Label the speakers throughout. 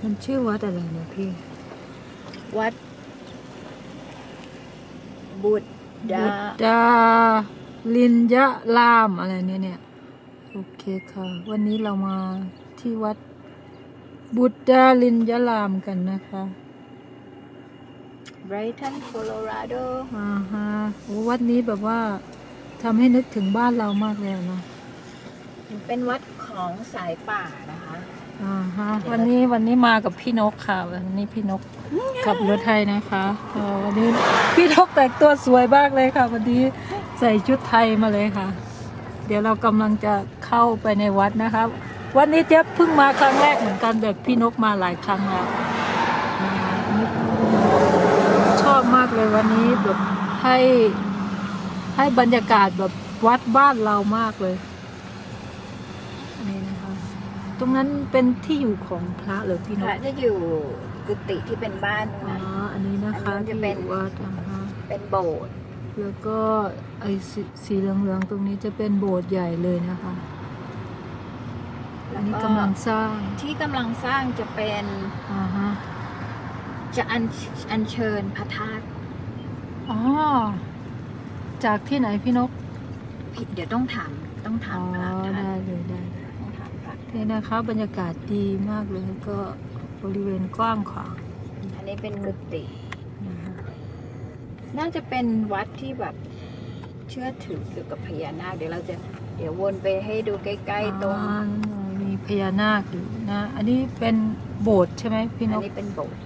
Speaker 1: มันชื่อวัดอะไรเนี่ยพี่
Speaker 2: วัดบุตดา
Speaker 1: บุตดาลินยะรามอะไรเนี่ยโอเคค่ะวันนี้เรามาที่วัดบุตดาลินยะรามกันนะคะ
Speaker 2: ไบรตันโคโลราโด
Speaker 1: ฮะโอ้วัดนี้แบบว่าทำให้นึกถึงบ้านเรามากเลยนะ
Speaker 2: เป็นวัดของสายป่านะคะ
Speaker 1: วันนี้มากับพี่นกค่ะวันนี้พี่นกขับรถไทยนะคะวันนี้พี่นกแต่งตัวสวยมากเลยค่ะวันนี้ใส่ชุดไทยมาเลยค่ะเดี๋ยวเรากำลังจะเข้าไปในวัดนะคะวันนี้เจ๊เพิ่งมาครั้งแรกเหมือนกันแบบพี่นกมาหลายครั้งแล้วนะคะชอบมากเลยวันนี้แบบให้บรรยากาศแบบวัดบ้านเรามากเลยนี่นะคะตรงนั้นเป็นที่อยู่ของพระหรือพี่นก
Speaker 2: พระจะอยู่กุฏิที่เป็นบ้านนะ
Speaker 1: อันนี้นะคะ
Speaker 2: จะเป็น
Speaker 1: วัด
Speaker 2: เป็นโบสถ์
Speaker 1: แล้วก็ไอ้สีเหลืองๆตรงนี้จะเป็นโบสถ์ใหญ่เลยนะคะอันนี้กำลังสร้าง
Speaker 2: ที่กำลังสร้างจะเป็นจะอัญเชิญพระธาตุ
Speaker 1: จากที่ไหนพี่นก
Speaker 2: เดี๋ยวต้องถามพระ
Speaker 1: ได้เลยได้นี่นะคะบรรยากาศดีมากเลยก็บริเวณกว้างขวาง
Speaker 2: อันนี้เป็นกุฏิน่าจะเป็นวัดที่แบบเชื่อถือเกี่ยวกับพญานาคเดี๋ยววนไปให้ดูใกล้ๆตรง
Speaker 1: มีพญานาคอยู่นะอันนี้เป็นโบสถ์ใช่ไหมพี่นก
Speaker 2: อันนี้เป็นโบสถ์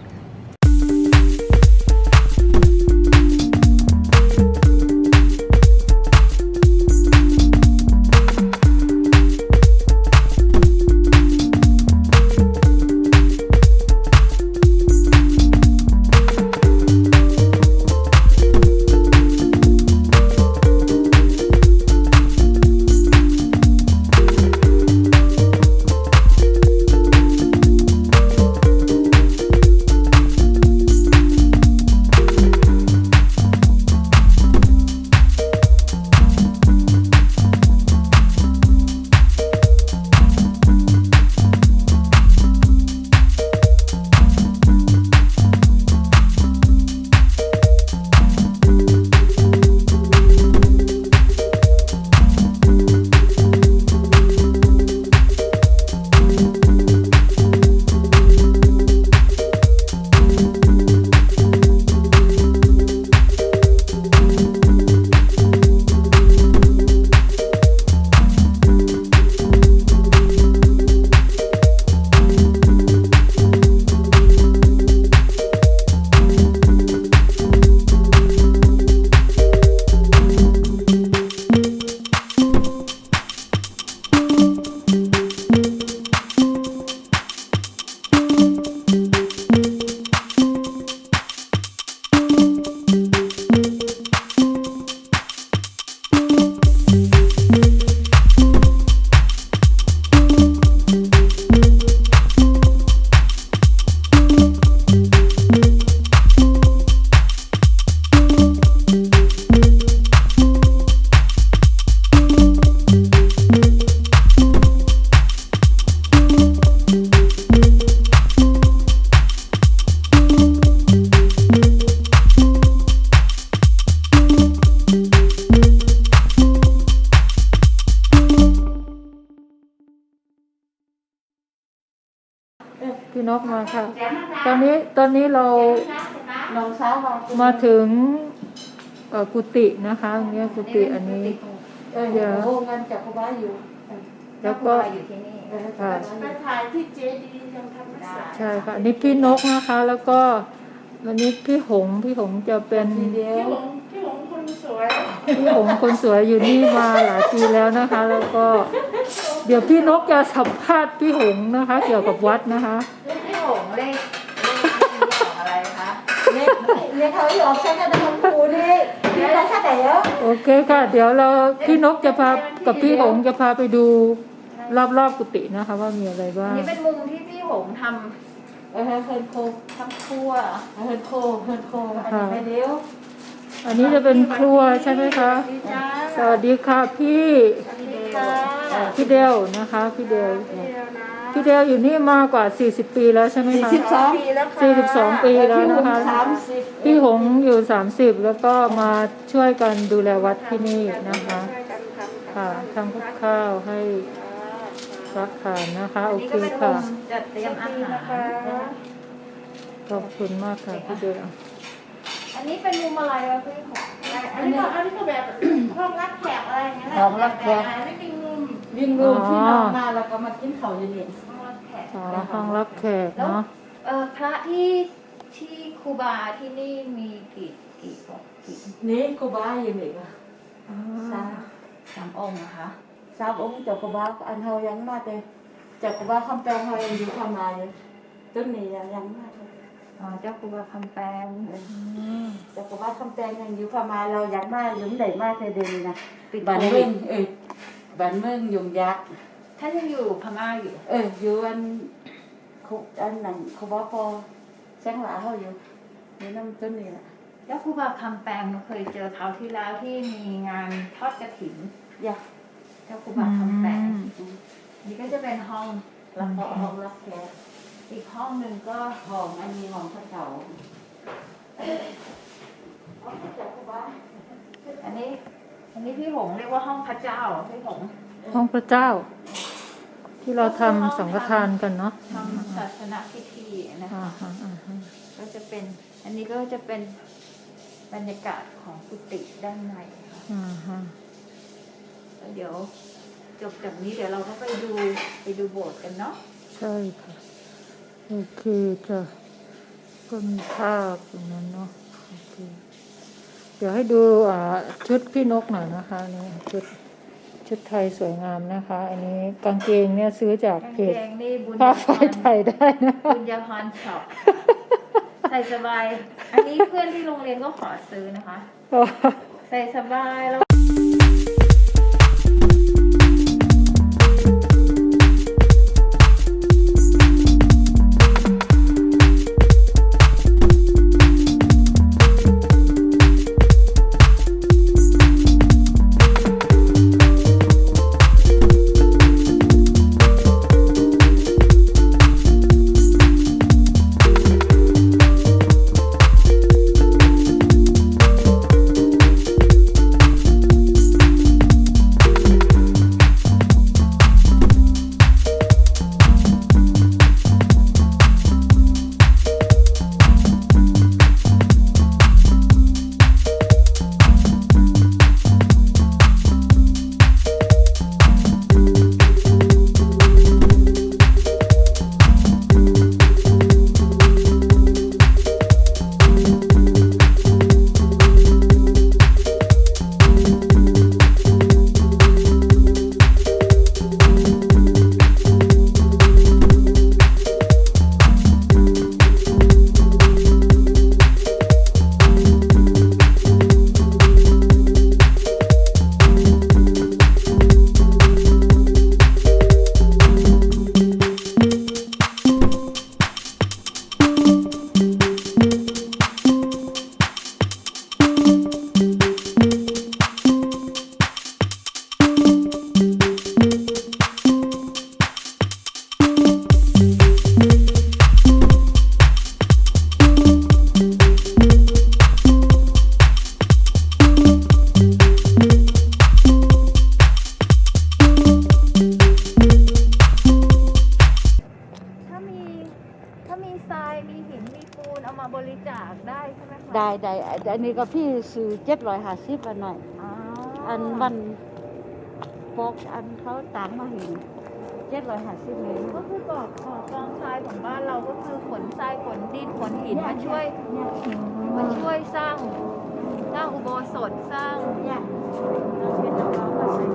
Speaker 1: พี่นกมาค่ะตอนนี้เรามาถึงกุฏินะคะเนี่ยกุฏิอันนี้เดี๋ยวแล้วก็ค่ะ
Speaker 3: ถ่ายที่เจดีย์ยังทำไม่เสร็จ
Speaker 1: ใช่ค่ะอันนี้พี่นกนะคะแล้วก็วันนี้พี่หงจะเป็น
Speaker 3: พี่หงคนสวย
Speaker 1: อยู่นี่มาหลายปีแล้วนะคะแล้วก็เดี๋ยวพี่นกจะสัมภาษณ์พี่หงนะคะเกี่ยวกับวัดนะคะ
Speaker 2: พี่หงเลขอะไรคะ
Speaker 3: เลขเขาหยอกใช้กันทำครูนี่เราแค่ไหนเยอะ
Speaker 1: โอเคค่ะเดี๋ยวพี่นกจะพากับพี่หงจะพาไปดูรอบกุฏินะคะว่ามีอะไรบ้าง
Speaker 2: นี่เป็นมุมที่พี่หงทำ
Speaker 3: เฮิร์นโคทำครัวเฮิร์นโคอันนี้เดียว
Speaker 1: อันนี้จะเป็นครัวใช่ไหมคะสวัสดีค่ะพี่เดลนะคะพี่เดลพี่เดลอยู่นี่มากว่า40 ปีแล้วใช่ไหมคะ
Speaker 3: 42 ปีแล้วค่ะ
Speaker 1: 42 ปีแล้วนะคะ
Speaker 3: 30
Speaker 1: พี่หงอยู่30แล้วก็มาช่วยกันดูแลวัดที่นี่นะคะ
Speaker 3: ช่วยกันทำ
Speaker 1: ค่ะทำกับข้าวให้รับทานนะคะโอเคค่ะ
Speaker 2: จัดเตรียมอาหารนะคะ
Speaker 1: ขอบคุณมากค่ะพี่เดล
Speaker 2: อันนี้เป็นมุมอะไรวะพี่ของ
Speaker 3: อันนี้ก็แบบ ห้องรับแขกอะไรอย่างเงี้ย
Speaker 2: ห้องรับแขก
Speaker 3: อันนี้วิ่งรูมที่นอนมาแล้วก็มากินข้าวเย็น
Speaker 2: ห้องรับแขก
Speaker 1: อ๋อห้องรับแขก
Speaker 2: แล้ว
Speaker 1: เนาะ
Speaker 2: พระที่ครูบาที่นี่มีกี่องค์กี่
Speaker 3: ๆนี่กูบ้าอยู่นี่ค่ะ
Speaker 2: สามองค์นะคะ
Speaker 3: 3 องค์เจ้ากูบ้าอันเฮายังมาแต่เจ้ากูบ้าคำแปลงเฮายังอยู่ความหมายอยู่ต้นนี้ยังมาเลย
Speaker 2: อ๋อเจ้าครูบาคำแปลง
Speaker 3: เจ้ากูบ้าคำแปลงยังอยู่ความหมายเรายังมาอยู่ไหนมาแต่เดินนะ
Speaker 2: ปิด
Speaker 3: บ้าน
Speaker 2: โค
Speaker 3: เมื
Speaker 2: วิ
Speaker 3: อ
Speaker 2: ด
Speaker 3: งบ้านเมืองยุงยักษ์
Speaker 2: ท่านยังอยู่พม่าอยู่
Speaker 3: อยู่อันนั้นเขาบอกพอแสงหลาเขาอยู่นี่น้ำต้นนี่แหละ
Speaker 2: เจ้าครูบาคำแปลงเคยเจอคราวที่แล้วที่มีงานทอดกฐิน
Speaker 3: อยาก
Speaker 2: เจ้าครูบาคำแปลงนี่ก็จะเป็นห้อง
Speaker 3: รับห้องรับแขก
Speaker 2: อีกห้องหนึ่งก็
Speaker 3: ห้องอันนี้ห้องพระเจ้าห้องพระเจ้ากูบ้า
Speaker 2: อันนี้พี่หงเรียกว่าห้องพระเจ้าพี่หง
Speaker 1: ห้องพระเจ้า ที่เราทำสังฆทานกันเนาะ
Speaker 2: ทำศาสนพิธีนะคะ ก็จะเป็น อันนี้ก็จะเป็นบรรยากาศของกุฏิด้านในค่ะ แล้วเดี๋ยวจบจากนี้เดี๋ยวเราก็ไปดูโบสถ์กันเนาะ
Speaker 1: ใช่ค่ะโอเคจ้ะก็มีภาพตรงนั้นเนาะโอเคเดี๋ยวให้ดูชุดพี่นกหน่อยนะคะนี่ชุดไทยสวยงามนะคะ อันนี้กางเกงเนี่ยซื้อจาก
Speaker 2: กาง
Speaker 1: เพ
Speaker 2: เก
Speaker 1: จ
Speaker 2: งนี่บุญ
Speaker 1: ผ้า
Speaker 2: ญา
Speaker 1: ไฟ
Speaker 2: พร
Speaker 1: ไทยได้นะ
Speaker 2: บุญญาพรช็อปใส่สบาย อันนี้เพื่อนที่โรงเรียนก็ขอซื้อนะคะ ใส่สบายแล้วถ้ามีทรายมีหินมีปูนเอามาบริจาคได้ใช่ไหมคะ
Speaker 3: ได้อันนี้ก็พี่ซื้อ750วันหน่อย
Speaker 2: อ๋อ
Speaker 3: อันวันปกอันเขาต่างมาเห็น750เลย
Speaker 2: ก็คือก่อกองทรายของบ้านเราก็คือขนทรายขนดินขนหินมาช่วยสร้างอุโบสถสร้าง
Speaker 3: เนี่ยเราเป็นน้องๆมาใส่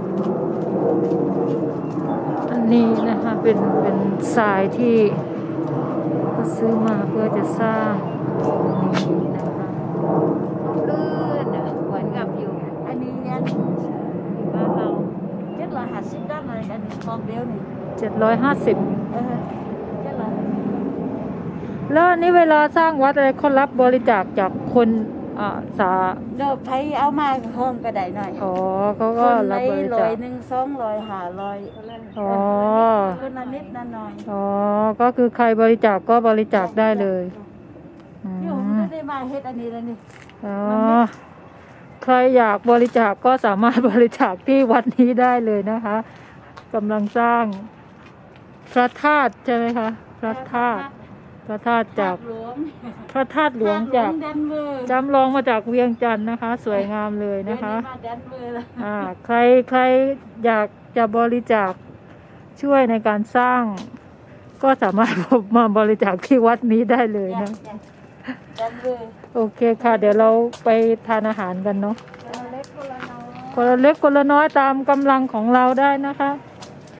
Speaker 1: อันนี้นะคะเป็นทรายที่เขาซื้อมาเพื่อจะสร้างนี่นะคะ
Speaker 2: ลื่นอะเหมือนกับอยู่
Speaker 3: อันนี้เนี่ย
Speaker 2: บ้านเรา
Speaker 3: 750ได้เลยอันนี้ของเดียวนี่
Speaker 1: 750
Speaker 3: 750
Speaker 1: แล้วอันนี้เวลาสร้างวัดอะไรเขารับบริจาคจากคนอ่าสา
Speaker 3: เดี๋ยวไผเอามาห้องก็ได้หน่อย
Speaker 1: อ๋อเขา
Speaker 3: ค
Speaker 1: ก็
Speaker 3: น
Speaker 1: รั
Speaker 3: ละ
Speaker 1: บบริ
Speaker 3: ร้
Speaker 1: จา
Speaker 3: อย
Speaker 1: ค
Speaker 3: หนึ่ง200 500
Speaker 1: อ๋อ
Speaker 3: คนละนิดละหน่อย
Speaker 1: อ๋อก็คือใครบริจาคก็บริจาคได้เลยอื
Speaker 3: เดี๋ยว
Speaker 1: ม
Speaker 3: จะได้มาเฮ็ดอันนี้แล้วนี่
Speaker 1: อ๋อใครอยากบริจาคก็สามารถบริจาคที่วัดนี้ได้เลยนะคะกำลังสร้างพระธาตุใช่ไหมคะพระธาตุจาก
Speaker 3: หลวง
Speaker 1: พระธาตุหลวงจาก
Speaker 3: แดนเวอร์
Speaker 1: จำลองมาจากเวียงจันทร์นะคะ สวยงามเลยนะคะ
Speaker 3: เดี๋ยวมาแดนเวอร์แล้ว
Speaker 1: ใครอยากจะบริจาคช่วยในการสร้าง ก็สามารถมาบริจาคที่วัดนี้ได้เลยนะ
Speaker 3: แดนเวอร์
Speaker 1: โอเคค่ะ เดี๋ยวเราไปทานอาหารกันเนาะ
Speaker 2: คนละเล็กคนละน้อย
Speaker 1: คนละเล็กคนละน้อยตามกำลังของเราได้นะคะ
Speaker 2: ค